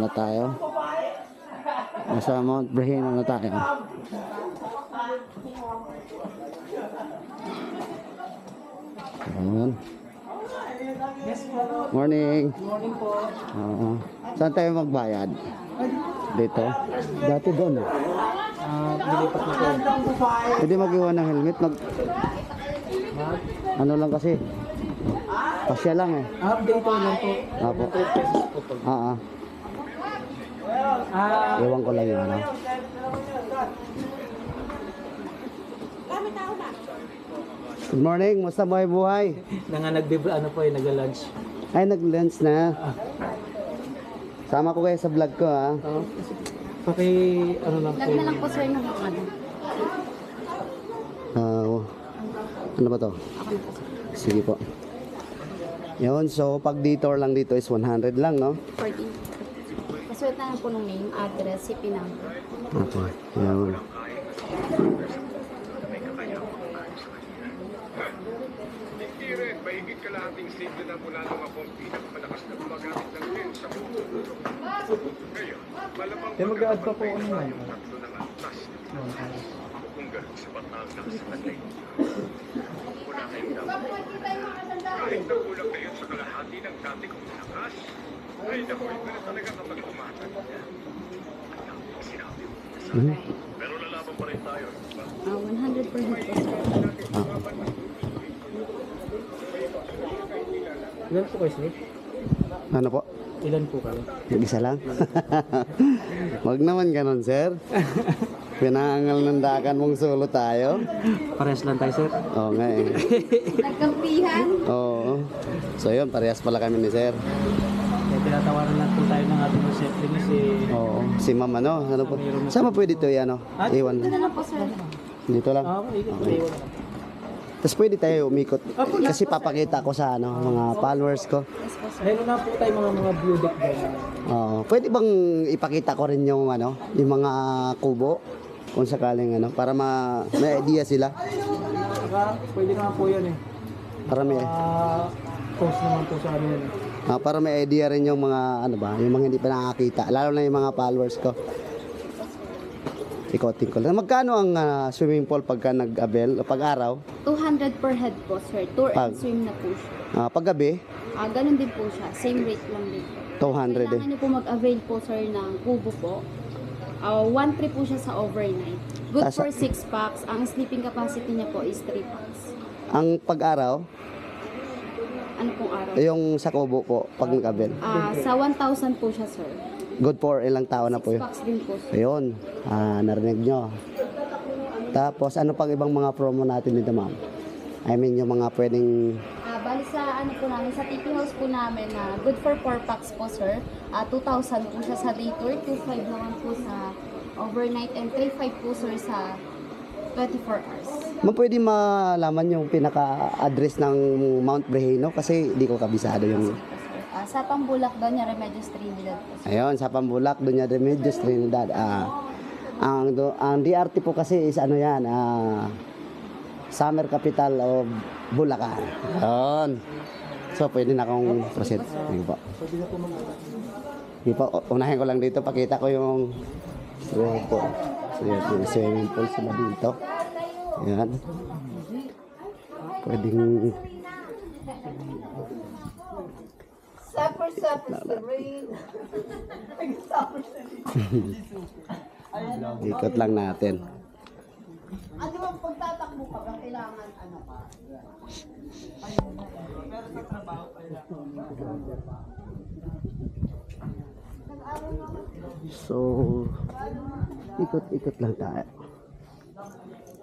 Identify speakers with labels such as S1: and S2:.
S1: tayo. Nasa Mount Breheno na tayo. Ayan. Morning.
S2: Morning po.
S1: Oo. Saan tayo magbayad? Dito? Dati doon.
S2: Nilipat na po.
S1: Pwede mag-iwan ng helmet. Ano lang kasi. Pasya lang eh.
S2: Update ko lang po.
S1: Apo.
S2: 100 pesos po po.
S1: Ewan ko lang yun. Ano? Good morning. Musta buhay?
S2: Ano po eh, nag-lunch.
S1: Ay, nag-lunch na. Sama ko kayo sa vlog ko ha.
S2: Ano lang po.
S3: Lag na lang po sir ng ano.
S1: Ano ba to? Sige po. Yun, so pag detour lang dito is 100 lang, no?
S3: 14. Pasulat na lang po ng name, address, CP number.
S1: Okay. Yun.
S4: Rin, mahigit kalahating sigla na mula nung ako ang pinakamalakas na gumagamit ng lens sa mundo. Ngayon, malamang
S2: mag-a-add pa po ako naman.
S4: yung tatlo ng antas. Kung ganun sa batang nakasalatay. Wala kayong dapat. Kahit nagulang kayo sa kalahati ng dati kong lakas, ay nakoy ko na talaga kapag umatag. Sinabi mo. Pero lalaban pa rin tayo.
S3: 100 per head po sir.
S2: Ilan po kayo, sir?
S1: Ano po?
S2: Ilan po kayo?
S1: Isa lang? Wag naman ganun, sir. Pinaangal ng dakan mong solo tayo.
S2: Parehas lang tayo, sir.
S1: Oo nga eh.
S3: Nagkampihan.
S1: Oo. So yun, parehas pala kami ni sir.
S2: Kaya tinatawaran lang po tayo ng ating receptionist si...
S1: Oo. Si ma'am ano? Ano po? Saan mo pwede ito ano? Iwan.
S3: Ito na lang po sir.
S1: Dito lang.
S2: Ikot po iwan.
S1: Tapos pwede tayo umikot. Kasi papakita ko sa ano, mga followers ko.
S3: Yes po sir.
S2: Meron na po tayo mga view deck dyan.
S1: Oo. Pwede bang ipakita ko rin yung ano, yung mga kubo? Kung sakaling ano, para may idea sila.
S2: Saka, pwede naman po yan eh.
S1: Para may
S2: Post naman po sa amin.
S1: para may idea rin yung mga ano ba, yung mga hindi pa nakakita, lalo na yung mga followers ko. Ikotin ko lang. Magkano ang swimming pool pagka nag-abel o pag-araw?
S3: 200 per head po sir. Tour
S1: Pag-
S3: and swim na po siya.
S1: Paggabi,
S3: Ganun din po siya. Same rate lang din po.
S1: 200
S3: Kailangan
S1: eh.
S3: niyo po mag-avail po sir ng kubo po. 1 trip po siya sa overnight. Good
S1: Tas-
S3: for 6 packs. Ang sleeping capacity niya po is 3 packs.
S1: Ang pag-araw,
S3: Ano pong araw?
S1: yung sa kubo po, pag nag-abel.
S3: Sa 1,000 po siya sir.
S1: Good for ilang tao na po
S3: 6
S1: yun.
S3: packs din po sir.
S1: Ayun, narinig nyo. Tapos, ano pang ibang mga promo natin dito, ma'am? I mean, yung mga pwedeng...
S3: Bali sa ano po namin, sa TP House po namin na good for 4 packs po sir. 2,000 po siya sa day tour, 2,500 naman po sa overnight, and 3,500 po sir sa 24 hours.
S1: Ma'am, pwede malaman yung pinaka-address ng Mount Breheno kasi di ko kabisado yung...
S3: Sa Pambulak daw niya, Remedios Trinidad po sir.
S1: Ayun, sa Pambulak, doon yung Remedios Trinidad. Ang DRT po kasi is ano yan, Summer Capital of Bulacan. Ayun. So, pwede na akong proceed. Sige po. Sige po, unahin ko lang dito, pakita ko yung swimming pool. So, yung swimming pool sila dito. Ayan. Pwedeng... Ikot lang natin.
S5: Ano bang pagtatakbo ka ba kailangan ano ka?
S1: So, ikot-ikot lang tayo.